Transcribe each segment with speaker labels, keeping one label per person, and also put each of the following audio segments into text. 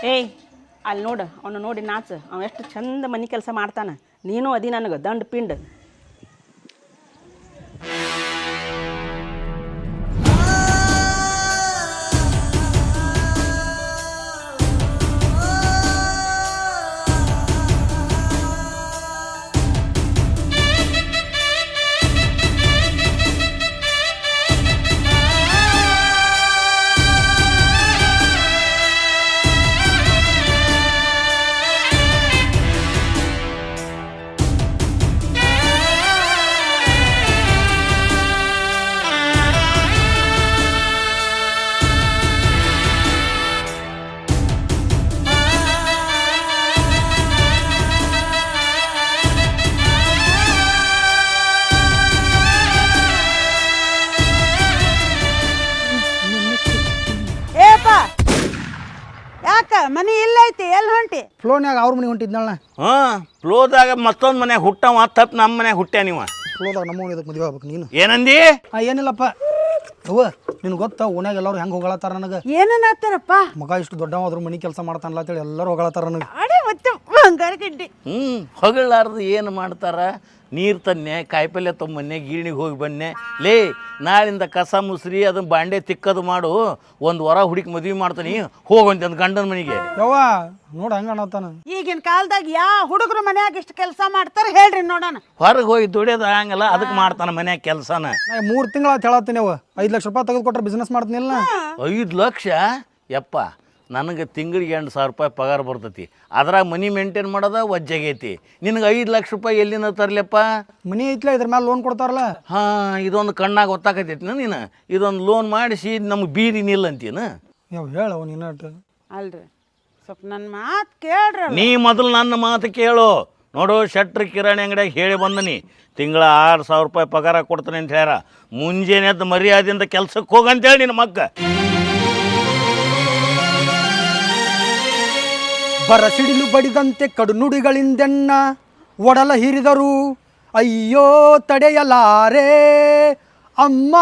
Speaker 1: ಏಯ್ ಅಲ್ಲಿ ನೋಡು ಅವನು ನೋಡಿ ನಾಚು ಅವ ಎಷ್ಟು ಚಂದ ಮನೆ ಕೆಲಸ ಮಾಡ್ತಾನೆ ನೀನು ಅದಿ ನನಗೆ ದಂಡ ಪಿಂಡ್
Speaker 2: ಮನಿ ಇಲ್ಲ ಐತಿ ಎಲ್ಲಿ ಹೊಂಟಿ
Speaker 3: ಫ್ಲೋನ್ಯಾಗ ಅವ್ರ ಮನೆ ಹೊಂಟಿದ್ನಲ್ಲ
Speaker 4: ಫ್ಲೋದಾಗ ಮತ್ತೊಂದು ಮನೆ ಹುಟ್ಟವ ತಪ್ಪು ನಮ್ಮ ಮನೆ ಹುಟ್ಟ್ಯಾ ನೀವ
Speaker 3: ಫ್ಲೋದಾಗ ನಮ್ಮ ಇದಕ್ಕೆ ಮದುವೆ ಆಗ್ಬೇಕು ನೀನು
Speaker 4: ಏನಂದಿ
Speaker 3: ಏನಿಲ್ಲಪ್ಪ ಅವ್ವ ನಿನ್ ಗೊತ್ತಾ ಓನ್ಯಾಗ ಎಲ್ಲರೂ ಹೆಂಗೆ ಹೊಗಳತ್ತಾರ ನನಗೆ
Speaker 2: ಏನೇನಾಗ್ತಾರಪ್ಪ
Speaker 3: ಮಗ ಇಷ್ಟು ದೊಡ್ಡವಾದ್ರು ಮನೆ ಕೆಲಸ ಮಾಡ್ತಾನಲ್ಲ ಅಂತೇಳಿ ಎಲ್ಲರೂ ಹೊಗಳತ್ತಾರ ನನಗೆ
Speaker 2: ಅಡೆ ಮತ್ತೆ ಬಂಗಾರ ಗಡ್ಡಿ
Speaker 4: ಹೊಗಳಾರ್ದು ಏನು ಮಾಡ್ತಾರ ನೀರು ತನ್ನೆ ಕಾಯಿಪಲ್ಯ ತೊಂಬನ್ನೆ ಗೀಣಿಗೆ ಹೋಗಿ ಬನ್ನೆ ಲೇ ನಾಳಿಂದ ಕಸ ಮುಸ್ರಿ ಅದನ್ನ ಬಾಂಡೆ ತಿಕ್ಕದು ಮಾಡು ಒಂದು ವರ ಹುಡುಕಿ ಮದುವೆ ಮಾಡ್ತಾನೆ ಹೋಗಂತ ಒಂದು ಗಂಡನ ಮನೆಗೆ
Speaker 3: ಯವ್ವ ನೋಡ ಹಂಗ ಅನ್ನತಾನ
Speaker 2: ಈಗಿನ ಕಾಲದಾಗ ಹುಡುಗರು ಮನ್ಯಾಗ ಇಷ್ಟು ಕೆಲಸ ಮಾಡ್ತಾರ ಹೇಳ್ರಿ ನೋಡೋಣ
Speaker 4: ಹೊರಗೆ ಹೋಗಿ ದುಡಿಯೋದು ಹಂಗಲ್ಲ ಅದಕ್ಕೆ ಮಾಡ್ತಾನೆ ಮನ್ಯಾಗ ಕೆಲಸನ
Speaker 3: ನಾ 3 ತಿಂಗಳ ಹೇಳತ್ತೀನಿ ಅವ 5 ಲಕ್ಷ ರೂಪಾಯಿ ತೆಗೆದು ಕೊಟ್ರೆ ಬಿಸ್ನೆಸ್ ಮಾಡ್ತೀನಿಲ್ಲ
Speaker 4: 5 ಲಕ್ಷ ಯಪ್ಪ ನನಗೆ ತಿಂಗಳಿಗೆ 2,000 ರೂಪಾಯಿ ಪಗಾರ ಬರ್ತೈತಿ ಅದ್ರಾಗ ಮನಿ ಮೇಂಟೈನ್ ಮಾಡೋದ ವಜ್ಜಾಗೈತಿ ನಿನಗೆ 5 ಲಕ್ಷ ರೂಪಾಯಿ ಎಲ್ಲಿಂದ ತರ್ಲಪ್ಪ
Speaker 3: ಮನಿ ಐತ್ಲ ಇದ್ರ ಮೇಲೆ ಲೋನ್ ಕೊಡ್ತಾರಲ್ಲ
Speaker 4: ಇದೊಂದು ಕಣ್ಣಾಗ ಗೊತ್ತಾಕತೈತಿ ನೀನು ಇದೊಂದು ಲೋನ್ ಮಾಡಿಸಿ ನಮ್ಗೆ ಬೀದಿ ನಿಲ್ಲಂತೀನ
Speaker 3: ಯಾವ ಹೇಳವ ನೀನಾಟ
Speaker 2: ಅಲ್ರಿ ಸ್ವಲ್ಪ ನನ್ನ ಮಾತು ಕೇಳ್ರಿ
Speaker 4: ನೀ ಮೊದಲು ನನ್ನ ಮಾತು ಕೇಳು ನೋಡು ಶೆಟ್ರ್ ಕಿರಾಣಿ ಅಂಗಡಿಯಾಗ ಹೇಳಿ ಬಂದನಿ ತಿಂಗಳ 6,000 ರೂಪಾಯಿ ಪಗಾರ ಕೊಡ್ತಾನೆ ಅಂತ ಹೇಳ್ಯಾರ ಮುಂಜಾನೆ ಎದ್ದು ಮರ್ಯಾದೆಯಿಂದ ಕೆಲ್ಸಕ್ಕೆ ಹೋಗಂತೇಳಿ ನಿನ್ನ ಮಕ್ಕ
Speaker 3: ಬರಸಿಡಿಲು ಬಡಿದಂತೆ ಕಡು ನುಡಿಗಳಿಂದೆನ್ನ ಒಡಲ ಹಿರಿದರು ಅಯ್ಯೋ ತಡೆಯಲಾರೆ ಅಮ್ಮ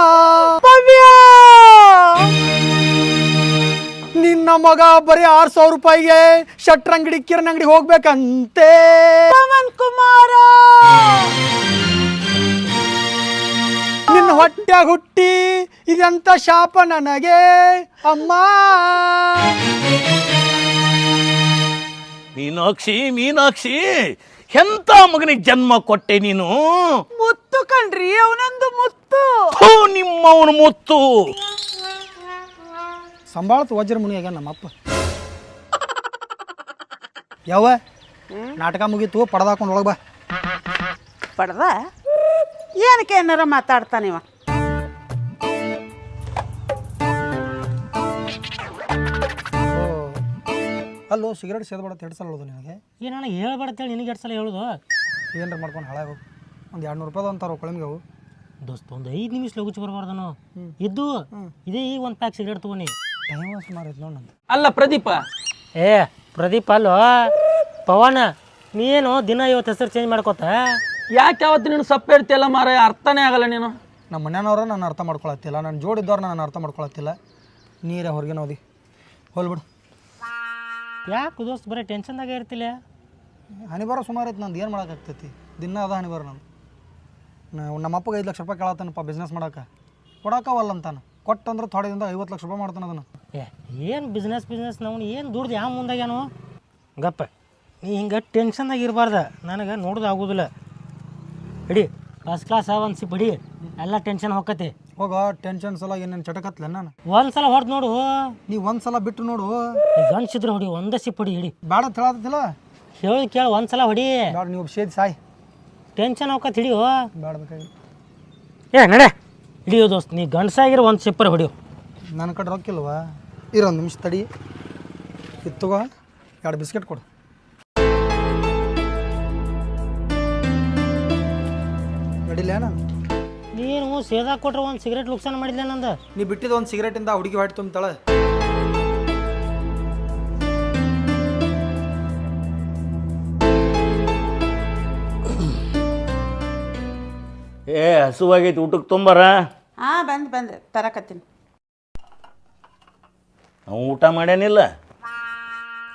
Speaker 3: ನಿನ್ನ ಮಗ ಬರೀ 6,000 ರೂಪಾಯಿಗೆ ಶಟ್ರ್ ಅಂಗಡಿ ಕಿರಣ್ ಅಂಗಡಿ ಹೋಗ್ಬೇಕಂತೆ
Speaker 2: ಪವನ್ ಕುಮಾರ
Speaker 3: ನಿನ್ನ ಹೊಟ್ಟೆ ಹುಟ್ಟಿ ಇದೆಂತ ಶಾಪ ನನಗೆ ಅಮ್ಮ
Speaker 4: ಮೀನಾಕ್ಷಿ ಎಂತ ಮಗನಿಗೆ ಜನ್ಮ ಕೊಟ್ಟೆ ನೀನು
Speaker 2: ಮುತ್ತು ಕಣ್ರಿ ಅವನೊಂದು ಮುತ್ತು
Speaker 4: ನಿಮ್ಮವನು ಮುತ್ತು
Speaker 3: ಸಂಭಾಳತ್ ವಜ್ರ ಮುನಿಯಾಗ ನಮ್ಮಪ್ಪ ಯಾವ ನಾಟಕ ಮುಗೀತು ಪಡ್ದಾಕೊಂಡು ಒಳಗೆ ಬಾ
Speaker 2: ಪಡ್ದ ಏನಕ್ಕೆ ಏನಾರ ಮಾತಾಡ್ತಾನಿವ
Speaker 3: ಅಲ್ಲೋ ಸಿಗರೇಟ್ ಸೇದ್ಬೇಡ ಸಲ ಹೇಳೋದು ನಿನಗೆ
Speaker 5: ಏನು ನನಗೆ ಹೇಳ್ಬೇಡತ್ತೇಳಿ ನಿನಗೆ 2 ಸಲ ಹೇಳೋದು
Speaker 3: ಏನಾರ ಮಾಡ್ಕೊಂಡು ಹಾಳಾಗು ಒಂದು 200 ರೂಪಾಯಿ ಅಂತಾರೋ ಕೊಳಮಿಗೆ ಅವು
Speaker 5: ದೋಸ್ತ ಒಂದು 5 ನಿಮಿಷ ಲಗುಚಿ ಬರಬಾರ್ದನು ಇದ್ದು ಇದೇ ಈಗ ಒಂದು ಪ್ಯಾಕ್ ಸಿಗರೇಟ್ ತೊಗೊಂಡು
Speaker 3: ಟೈಮ್ ಸುಮಾರು ಐತೆ ನೋಡಿ ನಂದು
Speaker 6: ಅಲ್ಲ ಪ್ರದೀಪ
Speaker 5: ಪ್ರದೀಪ್ ಅಲ್ಲೋ ಪವನ ನೀನು ದಿನ 50 ಹೆಸರು ಚೇಂಜ್ ಮಾಡ್ಕೋತ
Speaker 6: ಯಾಕೆ ಯಾವತ್ತು ನೀನು ಸಪ್ಪೆ ಇರ್ತಿಯಲ್ಲ ಮಾರ ಅರ್ಥನೇ ಆಗಲ್ಲ ನೀನು
Speaker 3: ನಮ್ಮ ಮನೆಯವ್ರ ನಾನು ಅರ್ಥ ಮಾಡ್ಕೊಳತ್ತಿಲ್ಲ ನನ್ನ ಜೋಡಿದ್ದವ್ರು ನಾನು ಅರ್ಥ ಮಾಡ್ಕೊಳತ್ತಿಲ್ಲ ನೀರೇ ಹೊರಗೆ ಓದಿ ಹೋಲ್ಬಿಡು
Speaker 5: ಯಾಕೆ ದೋಸ್ತ್ ಬರೀ ಟೆನ್ಷನ್ದಾಗೆ ಇರ್ತಿಲ್ಲ
Speaker 3: ಹನಿಬಾರ ಸುಮಾರು ಐತೆ ನಂದು ಏನು ಮಾಡೋಕ್ಕಾಗ್ತೈತಿ ದಿನ ಅದ ಹನಿಬಾರ ನಂದು ನಮ್ಮ ಅಪ್ಪಗೆ 5 ಲಕ್ಷ ರೂಪಾಯಿ ಕೇಳತ್ತಾನಪ್ಪ ಬಿಸ್ನೆಸ್ ಮಾಡೋಕೆ ಕೊಡೋಕವಲ್ಲ ಅಂತಾನೆ ಕೊಟ್ಟಂದ್ರೆ ಥೋಡೆದಿಂದ 50 ಲಕ್ಷ ರೂಪಾಯಿ ಮಾಡ್ತಾನೆ ಅದನ್ನು
Speaker 5: ಏನು ಬಿಸ್ನೆಸ್ ನಾವು ಏನು ದುಡ್ದು ಯಾವ ಮುಂದಾಗ್ಯಾನು ಗಪ್ಪ ನೀ ಹಿಂಗೆ ಟೆನ್ಷನ್ದಾಗ ಇರಬಾರ್ದು ನನಗೆ ನೋಡೋದು ಆಗೋದಿಲ್ಲ ಹಿಡಿ ಫಸ್ಟ್ ಕ್ಲಾಸ್ ಒಂದು ಸಿಪ್ ಹಿಡಿ ಎಲ್ಲ ಟೆನ್ಷನ್ ಹೋಗತ್ತೆ
Speaker 3: ಹೋಗ ಟೆನ್ಷನ್ ಸಲ ಏನೇನು ಚಟಕತ್ಲೆ ನಾನು
Speaker 5: ಒಂದು ಸಲ ಹೊಡೆದು ನೋಡು
Speaker 3: ನೀವು ಒಂದು ಸಲ ಬಿಟ್ಟು ನೋಡು
Speaker 5: ಗಂಡ್ಸಿದ್ರೆ ಹೊಡಿ ಒಂದೇ ಸಿಪ್ ಹೊಡಿ ಹಿಡಿ
Speaker 3: ಬೇಡ ಹೇಳತ್ತಿಲ್ಲ
Speaker 5: ಹೇಳಿ ಕೇಳಿ ಒಂದು ಸಲ ಹೊಡಿ
Speaker 3: ಬೇಡ ನೀವು ಸೇದಿ ಸಾಯ್
Speaker 5: ಟೆನ್ಷನ್ ಹೋಗತ್ತೆ ಹಿಡಿಯೋ
Speaker 3: ಬೇಡ ಬೇಕಾಗಿ
Speaker 5: ನಡೆ ಹಿಡಿಯೋ ದೋಸ್ತ್ ನೀ ಗಂಡ್ಸಾಗಿರೋ ಒಂದು ಸಿಪ್ಪರ್ ಹೊಡಿಯೋ
Speaker 3: ನನ್ನ ಕಡೆ ರೊಕ್ಕಿಲ್ವಾ ಇರೊಂದು ನಿಮಿಷ ತಡಿ ಇತ್ತುಗೋ 2 ಬಿಸ್ಕೆಟ್ ಕೊಡು ನಡಿಲ್ಲ ನಾನು
Speaker 5: ನೀನು ಸೇದಾ ಕೊಟ್ರೆ ಒಂದು ಸಿಗರೇಟ್ ಲುಕ್ಸಾನ ಮಾಡಿಲ್ಲ ನಂದು
Speaker 3: ನೀ ಬಿಟ್ಟಿದ್ದು ಒಂದು ಸಿಗರೇಟಿಂದ ಹುಡುಗಿ ಹೊಟ್ಟೆ ತುಂಬ್ತಾಳೆ
Speaker 4: ಹಸುವಾಗೈತಿ ಊಟಕ್ಕೆ ತೊಂಬಾರ
Speaker 2: ಬಂದು ತರಕತ್ತೀನಿ
Speaker 4: ನಾವು ಊಟ ಮಾಡ್ಯಾನಿಲ್ಲ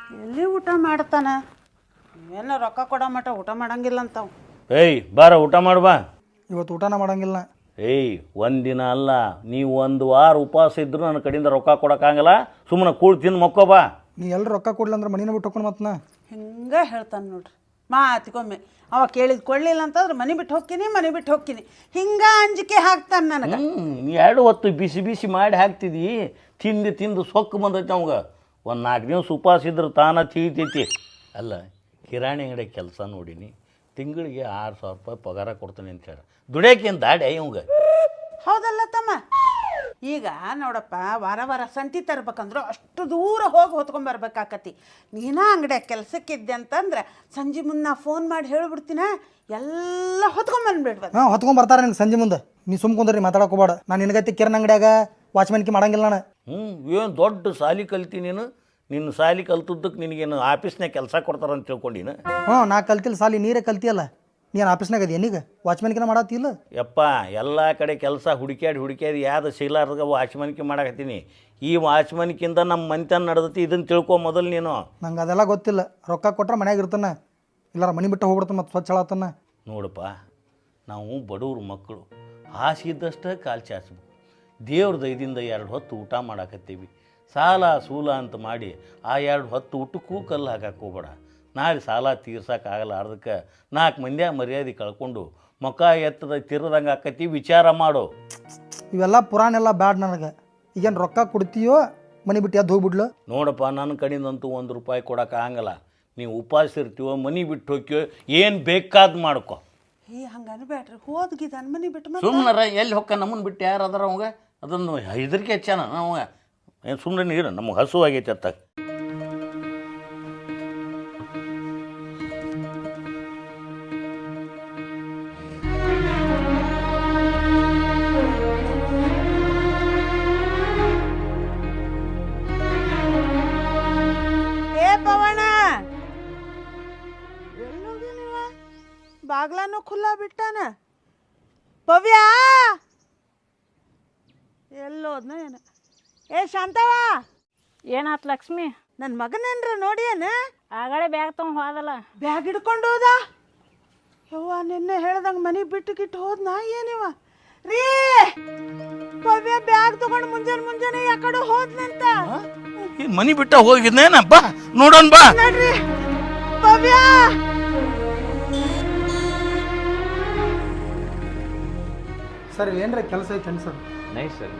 Speaker 2: ಎಲ್ಲಿ ಊಟ ಮಾಡ್ತಾನ? ಏನೋ ರೊಕ್ಕ ಕೊಡೋ ಮಟ್ಟ ಊಟ ಮಾಡಂಗಿಲ್ಲ ಅಂತಾವ್.
Speaker 4: ಏಯ್ ಬಾರ ಊಟ ಮಾಡ್ಬಾ.
Speaker 3: ಇವತ್ತು ಊಟನ ಮಾಡಂಗಿಲ್ಲ.
Speaker 4: ಏಯ್ ಒಂದಿನ ಅಲ್ಲ, ನೀವು 1 ವಾರ ಉಪವಾಸ ಇದ್ದರೂ ನನ್ನ ಕಡೆಯಿಂದ ರೊಕ್ಕ ಕೊಡೋಕ್ಕಾಗಲ್ಲ. ಸುಮ್ಮನೆ ಕೂಳು ತಿಂದು ಮಕ್ಕೋಬಾ.
Speaker 3: ನೀ ಎಲ್ಲಿ ರೊಕ್ಕ ಕೊಡ್ಲಿ ಅಂದ್ರೆ ಮನಿನ ಬಿಟ್ಟು ಹೋಗ್ಕೊಂಡು ಮತ್ತನ
Speaker 2: ಹಿಂಗೆ ಹೇಳ್ತಾನೆ ನೋಡ್ರಿ ಮಾತಿಗೊಮ್ಮೆ. ಅವ ಕೇಳಿದ್ ಕೊಡ್ಲಿಲ್ಲ ಅಂತಂದ್ರೆ ಮನೆ ಬಿಟ್ಟು ಹೋಗ್ತೀನಿ ಹಿಂಗೆ ಅಂಜಿಕೆ ಹಾಕ್ತಾನೆ ನನಗೆ.
Speaker 4: ನೀ 2 ಹೊತ್ತು ಬಿಸಿ ಬಿಸಿ ಮಾಡಿ ಹಾಕ್ತಿದ್ದಿ, ತಿಂದು ಸೊಕ್ಕು ಬಂದೈತೆ ಅವಂಗೆ. ಒಂದು 4 ದಿವಸ ಉಪವಾಸ ಇದ್ರೆ ತಾನ ತೀತೈತಿ. ಅಲ್ಲ, ಕಿರಾಣಿ ಅಂಗಡಿ ಕೆಲಸ ನೋಡೀನಿ, ತಿಂಗಳಿಗೆ 6,000 ರೂಪಾಯಿ ಪಗಾರ ಕೊಡ್ತೀನಿ ಅಂತ ಹೇಳಿ ದುಡಿಯೋಕೇನು ದಾಡಿ ಇವಂಗೆ.
Speaker 2: ಹೌದಲ್ಲ ತಮ್ಮ? ಈಗ ನೋಡಪ್ಪ, ವಾರ ಸಂತಿ ತರ್ಬೇಕಂದ್ರೆ ಅಷ್ಟು ದೂರ ಹೋಗಿ ಹೊತ್ಕೊಂಬರ್ಬೇಕಾಕತಿ. ನೀನ ಅಂಗಡಿಯಾಗ ಕೆಲಸಕ್ಕಿದ್ದೆ ಅಂತಂದ್ರೆ ಸಂಜೆ ಮುನ್ನ ಫೋನ್ ಮಾಡಿ ಹೇಳಿಬಿಡ್ತೀನ, ಎಲ್ಲ ಹೊತ್ಕೊಂಬಂದ್ಬಿಡ್ಬೋದು.
Speaker 3: ಹಾಂ ಹೊತ್ಕೊಂಡ್ ನಿನ್ಗೆ ಸಂಜೆ ಮುಂದೆ. ನೀ ಸುಮ್ಕೊಂಡ್ರಿ ಮಾತಾಡಕೋಬೇಡ. ನಾನು ನಿನಗೈತಿ ಕಿರಣ್ ಅಂಗಡಿಯಾಗ ವಾಚ್ಮನ್ಕಿ ಮಾಡಂಗಿಲ್ಲ ನಾನು.
Speaker 4: ಏನು ದೊಡ್ಡ ಸಾಲಿ ಕಲ್ತಿ ನೀನು. ನಿನ್ನ ಸಾಲಿ ಕಲ್ತದ್ದಕ್ಕೆ ನಿನಗೇನು ಆಫೀಸ್ನಾಗ ಕೆಲಸ ಕೊಡ್ತಾರಂತ ತಿಳ್ಕೊಂಡಿನ?
Speaker 3: ನಾ ಕಲ್ತಿಲ್ಲ ಸಾಲಿ, ನೀರೇ ಕಲ್ತಿಯಲ್ಲ. ನೀನು ಆಫೀಸ್ನಾಗ ಅದಿ ಏನೀಗ? ವಾಚ್ಮನ್ಕಿನ ಮಾಡತ್ತಿಲ್ಲ?
Speaker 4: ಯಪ್ಪ, ಎಲ್ಲ ಕಡೆ ಕೆಲಸ ಹುಡುಕ್ಯಾಡಿ ಯಾವ್ದು ಸಿಗ್ಲಾರ್ದಾಗ ವಾಚ್ಮನ್ಕಿ ಮಾಡಕತ್ತೀನಿ. ಈ ವಾಚ್ಮನ್ಕಿಂದ ನಮ್ಮ ಮನೆತನ ನಡೆದತಿ, ಇದನ್ನು ತಿಳ್ಕೊ ಮೊದಲು ನೀನು.
Speaker 3: ನಂಗೆ ಅದೆಲ್ಲ ಗೊತ್ತಿಲ್ಲ. ರೊಕ್ಕ ಕೊಟ್ರೆ ಮನ್ಯಾಗ ಇರ್ತಾನೆ, ಇಲ್ಲಾರ ಮನೆ ಬಿಟ್ಟು ಹೋಗ್ಬಿಡ್ತಾನೆ, ಮತ್ತು ಸ್ವಚ್ಛ ಹೇಳತ್ತಾನ.
Speaker 4: ನೋಡಪ್ಪ, ನಾವು ಬಡವ್ರ ಮಕ್ಕಳು, ಆಸೆ ಇದ್ದಷ್ಟೇ ಕಾಲು ಚಾಚಬೇಕು. ದೇವ್ರ ದಯದಿಂದ 2 ಹೊತ್ತು ಊಟ ಮಾಡಾಕತ್ತೀವಿ. ಸಾಲ ಸೂಲ ಅಂತ ಮಾಡಿ ಆ 2 ಹೊತ್ತು ಊಟಕ್ಕೂ ಕಲ್ಲು ಹಾಕಕ್ಕೆ ಹೋಗ್ಬೇಡ. ನಾಳೆ ಸಾಲ ತೀರ್ಸೋಕ್ಕಾಗಲ್ಲ. ಅದಕ್ಕೆ 4 ಮಂದಿಯಾಗ ಮರ್ಯಾದೆ ಕಳ್ಕೊಂಡು ಮುಖ ಎತ್ತದ ತಿರ್ದಂಗೆ ಆಕತಿ. ವಿಚಾರ ಮಾಡು.
Speaker 3: ಇವೆಲ್ಲ ಪುರಾಣ ಎಲ್ಲ ಬ್ಯಾಡ್ ನನಗೆ. ಈಗೇನು ರೊಕ್ಕ ಕೊಡ್ತೀಯೋ ಮನೆ ಬಿಟ್ಟು ಎದ್ದು ಹೋಗ್ಬಿಡ್ಲು?
Speaker 4: ನೋಡಪ್ಪ, ನನ್ನ ಕಡೆಯಿಂದಂತೂ 1 ರೂಪಾಯಿ ಕೊಡೋಕ್ಕಾಗಲ್ಲ. ನೀವು ಉಪವಾಸ ಇರ್ತೀವೋ, ಮನೆ ಬಿಟ್ಟು ಹೋಗ್ಯೋ, ಏನು ಬೇಕಾದ್ ಮಾಡ್ಕೊ.
Speaker 2: ಹಂಗೆ ಅನ್ಬೇಡ್ರಿ, ಹೋದ್ಗಿದ್ದಾನ ಮನೆ ಬಿಟ್ಟು.
Speaker 4: ಸುಮ್ಮನೆ ಎಲ್ಲಿ ಹೊಕ್ಕ ನಮ್ಮನ್ನು ಬಿಟ್ಟು ಯಾರು ಅದಾರ ಅವಂಗ? ಅದನ್ನು ಹೆದರಿಕೆ ಹೆಚ್ಚಾನ ಅವಂಗ. ಏನು ಸುಮ್ಮನೆ ನೀರು, ನಮಗೆ ಹಸು ಆಗೈತೆ ಅತ್ತ.
Speaker 2: ಪವನ ಎಲ್ಲೋಗಿ ನೀವ? ಬಾಗ್ಲಾನು ಖುಲ್ಲಾ ಬಿಟ್ಟಾನ. ಪವ್ಯ ಎಲ್ಲೋದ್ನ ಏನ? ಶಾಂತವ,
Speaker 1: ಏನಾತ್ ಲಕ್ಷ್ಮಿ?
Speaker 2: ನನ್ನ ಮಗನೇನ್ರ ನೋಡಿಯೇನ?
Speaker 1: ಆಗಲೇ ಬ್ಯಾಗ್ ತೊಗೊಂಡು ಹೋದಲ್ಲ.
Speaker 2: ಬ್ಯಾಗ್ ಹಿಡ್ಕೊಂಡು ಹೋದ? ಯವ್ವ, ನಿನ್ನೆ ಹೇಳ್ದಂಗೆ ಮನೆ ಬಿಟ್ಟು ಹೋದ್ನಾ ಏನಿವ? ರೀ, ಪವ್ಯ ಬ್ಯಾಗ್ ತಗೊಂಡು ಮುಂಜಾನೆ ಯಾಕಡೆ ಹೋದ್ನಂತ.
Speaker 4: ಮನೆ ಬಿಟ್ಟ ಹೋಗಿದ್ನೇನ? ಬಾ ನೋಡೋಣ, ಬಾ
Speaker 2: ನೋಡ್ರಿ ಪವ್ಯ.
Speaker 3: ಸರ್ ಏನ್ರ ಕೆಲಸ ಐತೆ ಸರ್?
Speaker 4: Nice sir.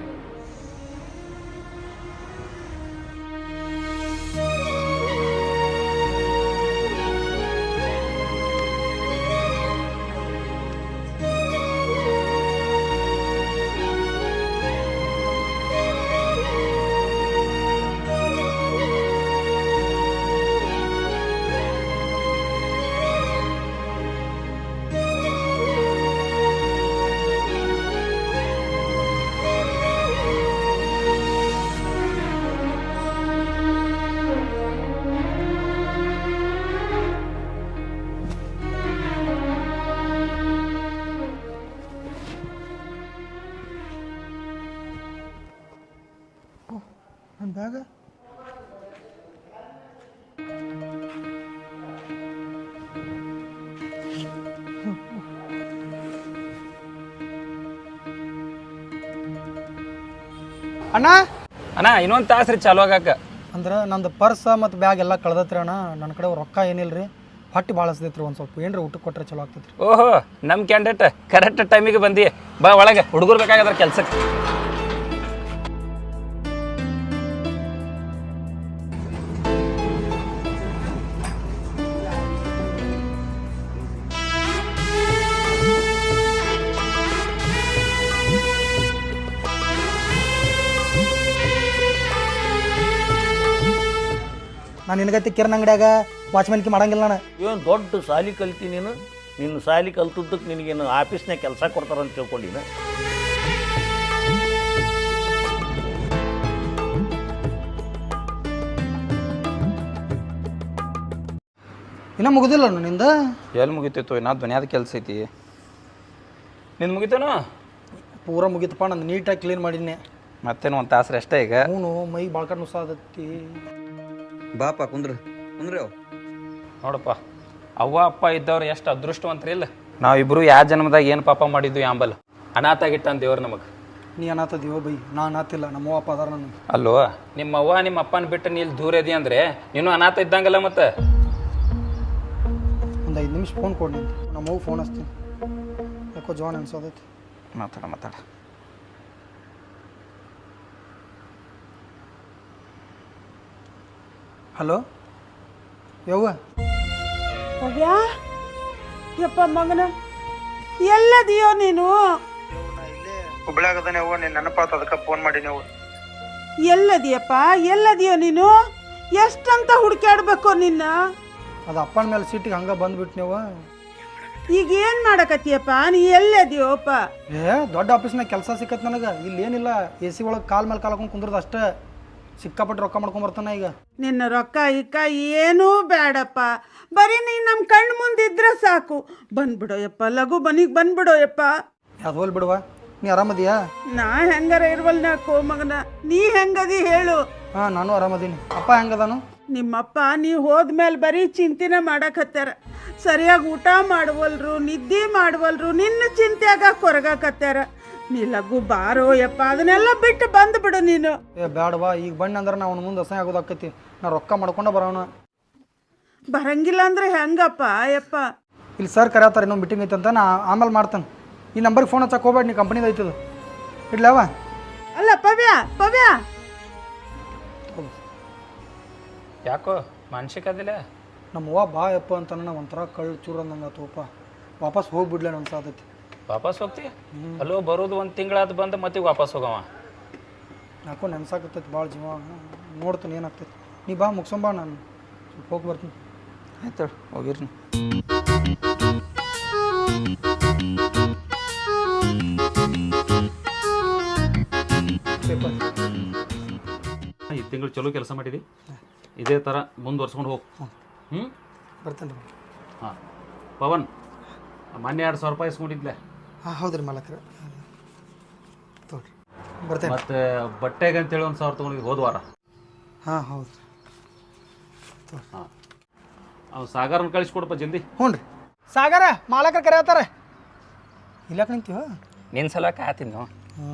Speaker 3: ನನ್ನ ಬ್ಯಾಗ ಅಣ್ಣ.
Speaker 6: ಅಣ್ಣ ಇನ್ನೊಂದು ತಾಸು ರೀ ಚಾಲು ಆಗಾಕ.
Speaker 3: ಅಂದ್ರೆ ನಂದು ಪರ್ಸ್ ಮತ್ತು ಬ್ಯಾಗ್ ಎಲ್ಲ ಕಳ್ದತ್ರಿ ಅಣ್ಣ. ನನ್ನ ಕಡೆ ರೊಕ್ಕ ಏನಿಲ್ಲ ರೀ. ಹೊಟ್ಟೆ ಭಾಳ ಹಸ್ದೈತ್ರಿ. ಒಂದು ಸ್ವಲ್ಪ ಏನ್ರಿ ಊಟಕ್ಕೆ ಕೊಟ್ಟರೆ ಚಲೋ ಆಗ್ತೈತ್ರಿ.
Speaker 6: ಓಹೋ, ನಮ್ಮ ಕ್ಯಾಂಡಿಡೇಟ್ ಕರೆಕ್ಟ್ ಟೈಮಿಗೆ ಬಂದಿ. ಬಾ ಒಳಗೆ, ಹುಡುಗರು ಬೇಕಾಗದ್ರ ಕೆಲ್ಸಕ್ಕೆ.
Speaker 3: ನಾನು ನಿನಗೈತಿ ಕಿರಣ್ ಅಂಗಡಿಯಾಗ ವಾಚ್ಮನ್ಕಿ ಮಾಡಂಗಿಲ್ಲ ನಾನು.
Speaker 4: ಏನು ದೊಡ್ಡ ಸಾಲಿ ಕಲ್ತಿ ನೀನು. ನಿನ್ನ ಸಾಲಿ ಕಲ್ತದ್ದಕ್ಕೆ ನಿನಗೇನು ಆಫೀಸ್ನಾಗ ಕೆಲಸ ಕೊಡ್ತಾರಂತ ತಿಳ್ಕೊಂಡಿನ?
Speaker 3: ಇನ್ನೂ ಮುಗಿದಿಲ್ಲ ನಿಂದ?
Speaker 6: ಎಲ್ಲಿ ಮುಗಿತೈತು? ನಾ ಧ್ವನಿಯಾದ ಕೆಲಸ ಐತಿ. ನಿಂದು ಮುಗಿತೇನು?
Speaker 3: ಪೂರ ಮುಗಿತಪ್ಪ. ನಂದು ನೀಟಾಗಿ ಕ್ಲೀನ್ ಮಾಡಿದ್ನೆ.
Speaker 6: ಮತ್ತೇನು 1 ತಾಸು ಅಷ್ಟೇ ಈಗ.
Speaker 3: ಅವನು ಮೈ ಬಾಳ್ಕಟ್ಟು ನುಸಾದತ್ತಿ.
Speaker 7: ಬಾಪ ಕುಂದ್ರ. ಅಂದ್ರೆ
Speaker 6: ನೋಡಪ್ಪ ಅವ್ವ ಅಪ್ಪ ಇದ್ದವ್ರು ಎಷ್ಟು ಅದೃಷ್ಟವಂತರಿ ಇಲ್ಲ. ನಾವಿಬ್ರು ಯಾವ ಜನ್ಮದಾಗ ಏನು ಪಾಪ ಮಾಡಿದ್ವಿ ಯಾಂಬಲ್ ಅನಾಥ ಆಗಿಟ್ಟಾನ ದೇವ್ರು ನಮಗೆ.
Speaker 3: ನೀ ಅನಾಥದೀವೋ ಬೈ, ನಾ ಅನಾಥಿಲ್ಲ, ನಮ್ಮ ಅವ್ವ ಅಪ್ಪ ಅದಾರ ನನಗೆ.
Speaker 6: ಅಲ್ಲೋ ನಿಮ್ಮ ಅವ್ವ ನಿಮ್ಮ ಅಪ್ಪನ ಬಿಟ್ಟು ನೀ ಇಲ್ಲಿ ದೂರ ಇದೀಯ ಅಂದರೆ ನೀನು ಅನಾಥ ಇದ್ದಂಗಲ್ಲ ಮತ್ತೆ.
Speaker 3: ಒಂದು 5 ನಿಮಿಷ ಫೋನ್ ಕೊಡಿ ನಿಂತು, ನಮ್ಮ ಅವ್ವ ಫೋನ್ ಹಚ್ತೀನಿ. ಯಾಕೋ ಜಾನ್ ಅನ್ಸೋದೈತಿ.
Speaker 6: ಮಾತಾಡ
Speaker 3: ಹಲೋ ಯವ್ವ,
Speaker 2: ಹೋಗ್ಯಾ ಯಪ್ಪ ಮಗನ ಎಲ್ಲದಿಯೋ ನೀನು?
Speaker 3: ಹುಬ್ಳ್ಯಾಗದಾನೆ ಅವ್ವ, ನೀನು ನೆನಪಾತ ಅದಕ್ಕೆ ಫೋನ್ ಮಾಡಿ ನೀವು.
Speaker 2: ಎಲ್ಲದಿಯಪ್ಪ ಎಲ್ಲದಿಯೋ ನೀನು? ಎಷ್ಟಂತ ಹುಡುಕ್ಯಾಡ್ಬೇಕು ನಿನ್ನ?
Speaker 3: ಅದು ಅಪ್ಪನ ಮೇಲೆ ಸೀಟಿಗೆ ಹಂಗೆ ಬಂದ್ಬಿಟ್ಟು ನೀವು.
Speaker 2: ಈಗ ಏನು ಮಾಡಕತ್ತೀಯಪ್ಪ? ನೀ ಎಲ್ಲದಿಯೋಪ್ಪ?
Speaker 3: ದೊಡ್ಡ ಆಫೀಸ್ನಾಗ ಕೆಲಸ ಸಿಕ್ಕತ್ ನನಗೆ. ಇಲ್ಲಿ ಏನಿಲ್ಲ, AC ಒಳಗೆ ಕಾಲ್ ಮೇಲೆ ಕಾಲ್ ಹಾಕೊಂಡು ಕುಂದ್ರದು ಅಷ್ಟೇ. ಸಿಕ್ಕಾಪಟ್ಟೆ ರೊಕ್ಕ ಮಾಡ್ಕೊಂಬರ್ತಾನೆ ಈಗ.
Speaker 2: ನಿನ್ನ ರೊಕ್ಕ ಇಕ್ಕ ಏನೂ ಬೇಡಪ್ಪ, ಬರೀ ನೀನು ನಮ್ಮ ಕಣ್ಣು ಮುಂದಿದ್ರೆ ಸಾಕು. ಬಂದ್ಬಿಡೋ ಯಪ್ಪ, ಲಘು ಮನಿಗೆ ಬಂದ್ಬಿಡೋ ಯಪ್ಪ.
Speaker 3: ಯಾವ್ದು ಹೋಲ್ ಬಿಡುವ, ನೀ ಆರಾಮದಿಯಾ?
Speaker 2: ನಾ ಹೆಂಗಾರ ಇರ್ವಲ್ ನಾಕೋ ಮಗನ, ನೀ ಹೆಂಗದಿ ಹೇಳು?
Speaker 3: ಹಾಂ, ನಾನು ಆರಾಮದೀನಿ. ಅಪ್ಪ ಹೆಂಗದಾನು?
Speaker 2: ನಿಮ್ಮಪ್ಪ ನೀ ಹೋದ್ಮೇಲೆ ಬರೀ ಚಿಂತೆನೇ ಮಾಡಕತ್ತಾರ. ಸರಿಯಾಗಿ ಊಟ ಮಾಡವಲ್ರು, ನಿದ್ದೆ ಮಾಡವಲ್ರು, ನಿನ್ನ ಚಿಂತೆಯಾಗ ಕೊರಗಾಕತ್ತಾರ. ನೀ ಲಘು ಬಾರೋ ಯಪ್ಪ, ಅದನ್ನೆಲ್ಲ ಬಿಟ್ಟು ಬಂದ್ಬಿಡು ನೀನು.
Speaker 3: ಬ್ಯಾಡವಾ, ಈಗ ಬಣ್ಣ ಅಂದ್ರೆ ನಾವು ಮುಂದೆ ಅಸಹ್ಯ ಆಗೋದಾಕತಿ. ನಾ ರೊಕ್ಕ ಮಾಡ್ಕೊಂಡ ಬರೋಣ.
Speaker 2: ಬರಂಗಿಲ್ಲ ಅಂದ್ರೆ ಹೆಂಗಪ್ಪ ಯಪ್ಪ?
Speaker 3: ಇಲ್ಲಿ ಸರ್ ಕರೆಯತ್ತಾರೆ, ಇನ್ನೊಂದು ಮೀಟಿಂಗ್ ಐತೆ ಅಂತ. ನಾ ಆಮೇಲೆ ಮಾಡ್ತಾನೆ. ಈ ನಂಬರ್ಗೆ ಫೋನ್ ಹಚ್ಚಕ್ಕೆ ಹೋಗ್ಬೇಡ, ನೀ ಕಂಪ್ನಿದು ಐತದ. ಇಡ್ಲವ?
Speaker 2: ಅಲ್ಲ ಪವ್ಯ ಪವ್ಯ,
Speaker 6: ಯಾಕೋ ಮಾನಸಿಕ ಅದಿಲ್ಲ?
Speaker 3: ನಮ್ಮ ಅವ್ವ ಬಾ ಯಪ್ಪ ಅಂತ ನಾನು ಒಂಥರ ಕಳ್ಳು ಚೂರು ಅಂದಂಗೆ ತೋಪ. ವಾಪಸ್ ಹೋಗ್ಬಿಡ್ಲೆ ನನ್ನ ಸಾತೈತಿ.
Speaker 6: ವಾಪಸ್ ಹೋಗ್ತಿ? ಅಲ್ಲೋ ಬರೋದು 1 ತಿಂಗಳಾದ ಬಂದು ಮತ್ತೆ ವಾಪಸ್ ಹೋಗವ.
Speaker 3: ಯಾಕೋ ನೆನ್ಸಾಕತ್ತೈತಿ ಭಾಳ ಜೀವ. ನೋಡ್ತೀನಿ ಏನಾಗ್ತೈತಿ. ನೀ ಬಾ ಮುಗ್ಸಂಬಾ, ನಾನು ಸ್ವಲ್ಪ ಹೋಗಿ ಬರ್ತೀನಿ.
Speaker 6: ಆಯ್ತು ಹೋಗಿರ್ನಿ.
Speaker 8: ಈ ತಿಂಗಳು ಚಲೋ ಕೆಲಸ ಮಾಡಿದಿ, ಇದೇ ಥರ ಮುಂದುವರ್ಸ್ಕೊಂಡು ಹೋಗಿ.
Speaker 3: ಬರ್ತೇನೆ ರೀ.
Speaker 8: ಹಾಂ ಪವನ್, ಮೊನ್ನೆ 2,000 ರೂಪಾಯಿ ಇಸ್ಕೊಂಡಿದ್ಲೆ.
Speaker 3: ಹಾಂ ಹೌದು ರೀ ಮಾಲಕ್ರೆ, ತೋರಿ ಬರ್ತೇನೆ.
Speaker 8: ಮತ್ತು ಬಟ್ಟೆಗೆ ಅಂತೇಳಿ 1,000 ತೊಗೊಂಡಿದ್ದು ಹೋದ ವಾರ.
Speaker 3: ಹಾಂ ಹೌದು ರೀ.
Speaker 8: ಹಾಂ, ಅವ್ನು ಸಾಗರನ ಕಳಿಸ್ಕೊಡಪ್ಪ ಜಲ್ದಿ.
Speaker 3: ಹ್ಞೂ ರೀ. ಸಾಗರ ಮಾಲಕರು ಕರೆಯತ್ತಾರೆ. ಇಲ್ಲಾಕ ನಿಂತೀವ?
Speaker 6: ನಿನ್ನ ಸಲ ಕಾಯ್ತೀನಿ ನಾವು.
Speaker 3: ಹ್ಞೂ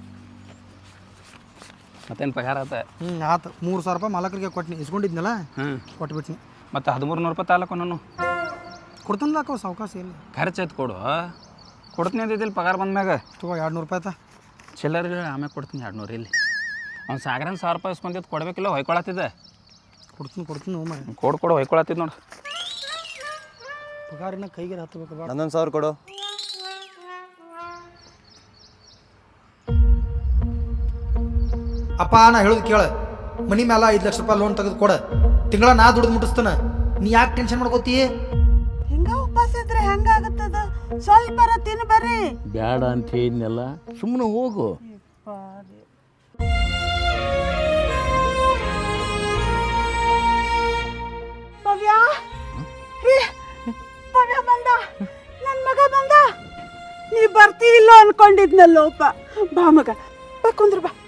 Speaker 6: ಮತ್ತೇನು ಪಗಾರ ಆತ?
Speaker 3: ಆತು. 3,000 ರೂಪಾಯಿ ಮಾಲಕರಿಗೆ ಕೊಟ್ಟಿನಿ, ಇಸ್ಕೊಂಡಿದ್ನಲ್ಲ. ಕೊಟ್ಬಿಟ್ನಿ.
Speaker 6: ಮತ್ತು 1300 ರೂಪಾಯಿ ತಾಲೂಕು ನಾನು
Speaker 3: ಕೊಡ್ತಾನಲ್ಲ ಸಾವಕಾಶ ಇಲ್ಲ.
Speaker 6: ಖರ್ಚು ಆಯ್ತು ಕೊಡು. ಕೊಡ್ತೀನಿ ಅಂದಿದ್ದಿಲ್ಲ ಪಗಾರ ಬಂದ್ಮ್ಯಾಗ.
Speaker 3: ತಗೋ 200 ರೂಪಾಯಿ ಆಯ್ತಾ?
Speaker 6: ಚಿಲ್ಲರ್ ಆಮೇಲೆ ಕೊಡ್ತೀನಿ 200 ಇಲ್ಲಿ. ಅವ್ನು ಸಾಗರನ 1,000 ರೂಪಾಯಿ ಇಸ್ಕೊಂಡಿದ್ದು ಕೊಡಬೇಕಿಲ್ಲ, ಹೊಯ್ಕೊಳತ್ತಿದ್ದೆ.
Speaker 3: ಕೊಡ್ತೀನಿ ಹ್ಞೂ ಮಾಡಿ.
Speaker 6: ಕೊಡು ಹೊಯ್ಕೊಳತ್ತಿದ್ದು ನೋಡು.
Speaker 3: ಪಗಾರಿನ ಕೈಗೆ ಹತ್ತಬೇಕು. ಬೇಡ,
Speaker 7: 11,000 ಕೊಡು.
Speaker 3: ಅಪ್ಪ ನಾ ಹೇಳೋದು ಕೇಳ. ಮನಿ ಮೇಲೆ 5 ಲಕ್ಷ ರೂಪಾಯಿ ಲೋನ್ ತೆಗೆದು ಕೊಡ. ತಿಂಗಳ ನಾ ದುಡ್ದು ಮುಟ್ಟಿಸ್ತಾನ. ನೀ ಯಾಕೆ ಟೆನ್ಷನ್ ಮಾಡ್ಕೋತಿ?
Speaker 2: ಹಿಂಗ ಉಪವಾಸ ಇದ್ರೆ ಹೆಂಗಾಗುತ್ತದ? ಸ್ವಲ್ಪ ತಿನ್ನು ಬರ್ರಿ.
Speaker 4: ಬ್ಯಾಡ ಅಂತ ಹೇಳಿದ್ನೆಲ್ಲ, ಸುಮ್ಮನೆ ಹೋಗು.
Speaker 2: ಪವ್ಯ ಪವ್ಯ ಬಂದ, ನನ್ನ ಮಗ ಬಂದ. ನೀ ಬರ್ತೀವಿಲ್ಲೋ ಅನ್ಕೊಂಡಿದ್ನಲ್ಲೋಪ. ಬಾ ಮಗ, ಬಾ ಕುಂದ್ರ ಬಾ.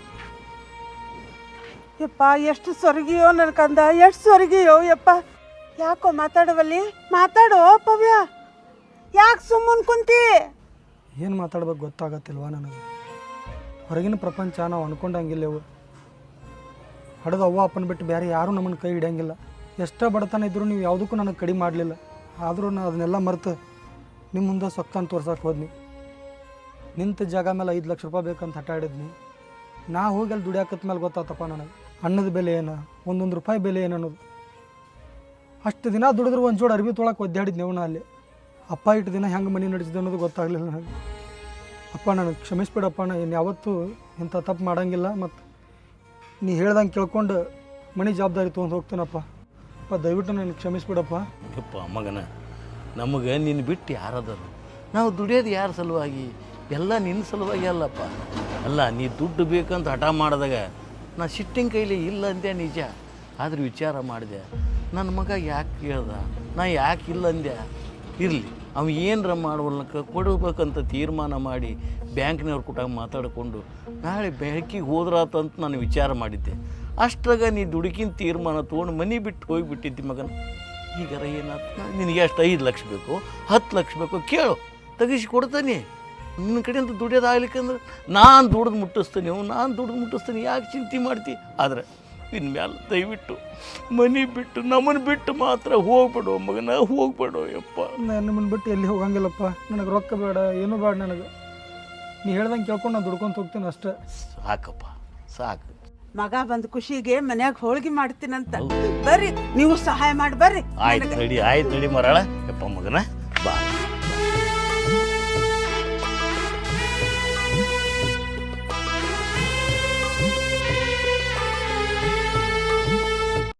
Speaker 2: ಯಪ್ಪ ಎಷ್ಟು ಸೊರಗಿಯೋ ನನ್ನ ಕಂದ, ಎಷ್ಟು ಸೊರಗಿಯೋ ಯಪ್ಪ. ಯಾಕೋ ಮಾತಾಡವಲ್ಲಿ? ಮಾತಾಡೋ ಪವ್ಯ, ಯಾಕೆ ಸುಮ್ಮನೆ ಕುಂತಿ?
Speaker 3: ಏನು ಮಾತಾಡ್ಬೇಕು ಗೊತ್ತಾಗತ್ತಿಲ್ವಾ ನನಗೆ. ಹೊರಗಿನ ಪ್ರಪಂಚ ನಾವು ಅನ್ಕೊಂಡಂಗಿಲ್ಲವು. ಹಡದು ಅವ್ವ ಅಪ್ಪನ ಬಿಟ್ಟು ಬೇರೆ ಯಾರೂ ನಮ್ಮನ್ನು ಕೈ ಹಿಡಿಯಂಗಿಲ್ಲ. ಎಷ್ಟೇ ಬಡತನ ಇದ್ದರೂ ನೀವು ಯಾವುದಕ್ಕೂ ನನಗೆ ಕಡಿಮೆ ಮಾಡಲಿಲ್ಲ. ಆದರೂ ನಾನು ಅದನ್ನೆಲ್ಲ ಮರೆತು ನಿಮ್ಮ ಮುಂದೆ ಸೊಕ್ತಾನ ತೋರ್ಸಕ್ಕೆ ಹೋದ್ನಿ. ನಿಂತ ಜಾಗ ಮೇಲೆ 5 ಲಕ್ಷ ರೂಪಾಯಿ ಬೇಕಂತ ಹಠ ಹಿಡಿದ್ನಿ. ನಾ ಹೋಗಿ ಅಲ್ಲಿ ದುಡಿಯಾಕತ್ತ ಮೇಲೆ ಗೊತ್ತಾತಪ್ಪ ನನಗೆ ಅನ್ನದ ಬೆಲೆ ಏನು, 1 ರೂಪಾಯಿ ಬೆಲೆ ಏನು ಅನ್ನೋದು. ಅಷ್ಟು ದಿನ ದುಡಿದ್ರೆ ಒಂದು ಜೋಡು ಅರ್ಬಿ ತೊಳಕ್ಕೆ ಒದ್ದಾಡಿದ್ನೇವು ನಾ ಅಲ್ಲಿ. ಅಪ್ಪ ಇಟ್ಟು ದಿನ ಹೆಂಗೆ ಮನೆ ನಡೆಸಿದೆ ಅನ್ನೋದು ಗೊತ್ತಾಗಲಿಲ್ಲ ನನಗೆ. ಅಪ್ಪ ನನಗೆ ಕ್ಷಮಿಸ್ಬಿಡಪ್ಪ, ನಾನು ಇನ್ನು ಯಾವತ್ತೂ ಇಂಥ ತಪ್ಪು ಮಾಡೋಂಗಿಲ್ಲ. ಮತ್ತು ನೀ ಹೇಳ್ದಂಗೆ ಕೇಳ್ಕೊಂಡು ಮನೆ ಜವಾಬ್ದಾರಿ ತೊಗೊಂಡು ಹೋಗ್ತೀನಪ್ಪ. ಅಪ್ಪ ದಯವಿಟ್ಟು ನನಗೆ ಕ್ಷಮಿಸ್ಬಿಡಪ್ಪ.
Speaker 4: ಯಪ್ಪ ಮಗನ, ನಮಗೆ ನಿನ್ನ ಬಿಟ್ಟು ಯಾರದರು? ನಾವು ದುಡಿಯೋದು ಯಾರ ಸಲುವಾಗಿ? ಎಲ್ಲ ನಿನ್ನ ಸಲುವಾಗಿ ಅಲ್ಲಪ್ಪ. ಅಲ್ಲ, ನೀ ದುಡ್ಡು ಬೇಕಂತ ಹಠ ಮಾಡಿದಾಗ ನಾ ಸಿಟ್ಟಿಂಗ್ ಕೈಲಿ ಇಲ್ಲ ಅಂದೆ ನಿಜ. ಆದ್ರೆ ವಿಚಾರ ಮಾಡಿದೆ, ನನ್ನ ಮಗ ಯಾಕೆ ಕೇಳ್ದ, ನಾ ಯಾಕೆ ಇಲ್ಲ ಅಂದೆ. ಇರಲಿ, ಅವ ಏನರ ಮಾಡುವಲ್ನಕ್ಕೆ ಕೊಡಬೇಕಂತ ತೀರ್ಮಾನ ಮಾಡಿ ಬ್ಯಾಂಕ್ನವ್ರ ಕೂಟ ಮಾತಾಡಿಕೊಂಡು ನಾಳೆ ಬೆಳಕಿಗೆ ಹೋದ್ರಾತಂತ ನಾನು ವಿಚಾರ ಮಾಡಿದ್ದೆ. ಅಷ್ಟ್ರಾಗ ನೀ ದುಡುಕಿನ ತೀರ್ಮಾನ ತೊಗೊಂಡು ಮನೆ ಬಿಟ್ಟು ಹೋಗಿಬಿಟ್ಟಿದ್ದಿ ಮಗನ. ಈಗಾರ ಏನಾಯ್ತು, ನಿನಗೆ ಎಷ್ಟು 5 ಲಕ್ಷ ಬೇಕು 10 ಲಕ್ಷ ಬೇಕು ಕೇಳು, ತೆಗಿಸಿ ಕೊಡ್ತಾನೆ. ನಿನ್ನ ಕಡೆಯಿಂದ ದುಡಿಯೋದಾಗ್ಲಿಕ್ಕಂದ್ರೆ ನಾನು ದುಡ್ದು ಮುಟ್ಟಿಸ್ತೀನಿ, ಯಾಕೆ ಚಿಂತೆ ಮಾಡ್ತಿ? ಆದರೆ ಇನ್ಮೇಲೆ ದಯವಿಟ್ಟು ಮನೆ ಬಿಟ್ಟು ನಮ್ಮನ್ನು ಬಿಟ್ಟು ಮಾತ್ರ ಹೋಗ್ಬೇಡು ಮಗನ, ಹೋಗ್ಬೇಡು ಯಪ್ಪ.
Speaker 3: ನಾನು ನಿಮ್ಮನ್ನು ಬಿಟ್ಟು ಎಲ್ಲಿ ಹೋಗಂಗಿಲ್ಲಪ್ಪ. ನನಗೆ ರೊಕ್ಕ ಬೇಡ, ಏನೂ ಬೇಡ ನನಗೆ. ನೀ ಹೇಳ್ದಂಗೆ ಕೇಳ್ಕೊಂಡು ನಾನು ದುಡ್ಕೊಂತ ಹೋಗ್ತೀನಿ ಅಷ್ಟೇ.
Speaker 4: ಸಾಕಪ್ಪ ಸಾಕು.
Speaker 2: ಮಗ ಬಂದ ಖುಷಿಗೆ ಮನ್ಯಾಗ ಹೋಳಿಗೆ ಮಾಡ್ತೀನಂತ ಬರ್ರಿ, ನೀವು ಸಹಾಯ ಮಾಡಿ ಬರ್ರಿ.
Speaker 4: ಆಯ್ತು ನಡಿ ಮರಾಳ ಯಪ್ಪ ಮಗನ.